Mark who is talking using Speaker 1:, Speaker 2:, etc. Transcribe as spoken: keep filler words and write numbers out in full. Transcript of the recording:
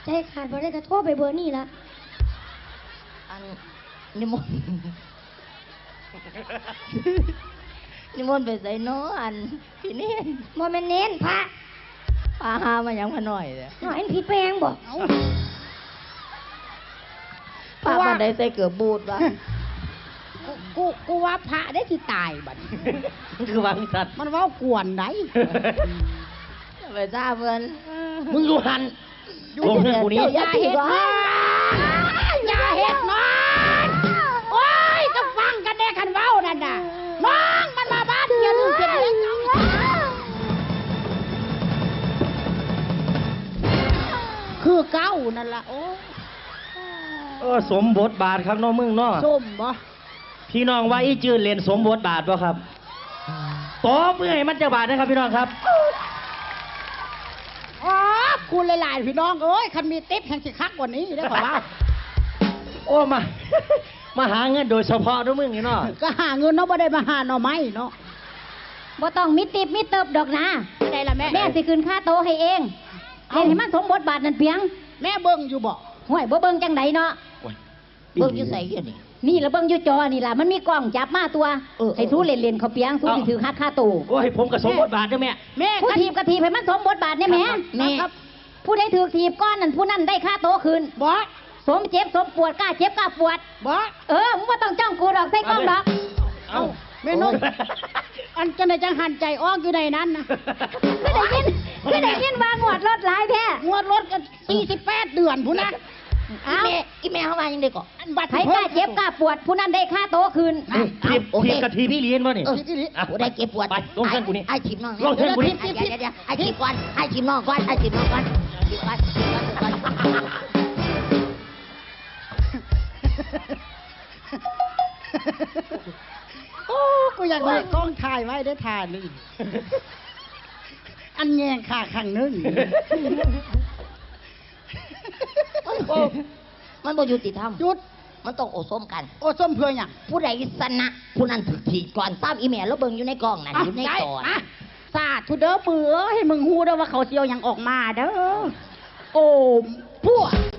Speaker 1: ใจขาดบ่ได้กระโทษไปเบอร์นี่ละ
Speaker 2: อันนิมนต์นิมนต์ไปใส่น้ออันพี่เน้น
Speaker 1: โมเมนเน้นพระ
Speaker 2: พาหามายังพาหน่อยเลย
Speaker 1: หน่อยผิดไปยังบอก
Speaker 2: พาบันไดใส่เกือบบูดวะ
Speaker 3: กูกูว่าพระได้ที่ตายบัด
Speaker 2: คือวางสัตว์
Speaker 3: มันว่ากวนได้
Speaker 2: ไปทราบเพื่อน
Speaker 4: มึงอยู่หันอยู่เพื่อนกูนี้
Speaker 3: อย่าเห็ดนอนอย่าเห็ดนอนโอ้ยก็ฟังกันแน่คันเว้านั่นน่ะน้องมันมาบ้านอย่าลืมเสร็จเลี้ยงน้องคือเก้านั่นล่ะโอ้
Speaker 4: เออสมบทบาทครับน้องมึงเนาะ
Speaker 3: ส้มบ่
Speaker 4: พี่น้องว่าอีจืดเล่นสมบทบาทป่ะครับต่อเมื่อให้มันจะบาทนะครับพี่น้องครับ
Speaker 3: อ๋อคุณหลายๆพี่น้องเอ้ยคันมีติ๊บแห่งสิคักกว่านี้ได้ขอว่า
Speaker 4: โอ้มามาหาเงินโดยเฉพาะด้วยมึงนี่เนาะ
Speaker 3: ก็หาเงินเนาะบ่ได้มาหาเนาะไม่เนาะ
Speaker 1: บ่ต้องมีติบมีเติบดอกนะ
Speaker 3: ได้ละแม่
Speaker 1: แม่สิคืนค่าโตให้เองเล่นให้มันสมบทบาทนั่นเพียง
Speaker 3: แม่เบิ่งอยู่บ่
Speaker 1: ห่วยบ่เบิ่งจังไดเนาะ
Speaker 2: เบิ่งอยู่ใส่กันนี่
Speaker 1: นี่ละเบิ่งอยู่จอนี่ล่ะมันมีกล้องจับมาตัวให้สู้เล่นๆเขาเปียงสู้สิถือค่าค่าโต
Speaker 4: โอ้ยผมก็สมบทบาทเด้อแม่
Speaker 3: แม่
Speaker 1: ผู้ทีบก็ทีบให้มันสมบทบาทเนี่ยแม่
Speaker 3: แม่ครับ
Speaker 1: ผู้ใดถือทีบก้อนนั่นผู้นั้นได้ค่าโตคืน
Speaker 3: บ่
Speaker 1: สมเจ็บสมปวดกล้าเจ็บกล้าปวด
Speaker 3: บ่
Speaker 1: เออมึงบ่ต้องจ้องกูดอกใส่กล้องดอก
Speaker 3: เอ้าแม่นกอันจังได๋จังหันใจออกอยู่ในนั้นนะ
Speaker 1: ก็ได้ยินก็ได้ยินว่างวดรถหลายแท้
Speaker 3: งวดรถกันสี่สิบแปดเดือนพุ่นนะ
Speaker 2: อีแม่อีแม่เข้ามายังได้ก่อน
Speaker 1: ใครกล้าเจ็บกล้าปวดผู้นั้นได้ค่าโตคืน
Speaker 4: ทีบทีบกะทีพี่เลี้ยนวะนี่
Speaker 2: กูได้เก็บปวด
Speaker 4: ไปลงเงินกูนี่
Speaker 2: ไอ้ชิมน้อง
Speaker 4: ลงเงินกูนี่
Speaker 2: เดี๋ยวเดี๋ยวไอ้ชิมก่อนไอ้ชิมน้องก่อนไอ้ชิมน้องก่อนชิมก่อนชิมก่อน
Speaker 3: โอ้กูอยากได้กล้องถ่ายไว้ได้ถ่ายนี่อันแยงขาข้างนึง
Speaker 2: มันบ่ยุติธรรม
Speaker 3: จุด
Speaker 2: มันต้องโอส้มกัน
Speaker 3: โอส้มเพื่ออย่าง
Speaker 2: ผู้ใดชนะผู้นั้นถูกถีก่อนตามอีเมลแล้วเบิ่งอยู่ในกล้องนั่นอยู่ในจอ
Speaker 3: สาธุเด้อเปื่อให้มึงฮู้เด้อว่าเขาเสียวยังออกมาเด้อโอ้พวก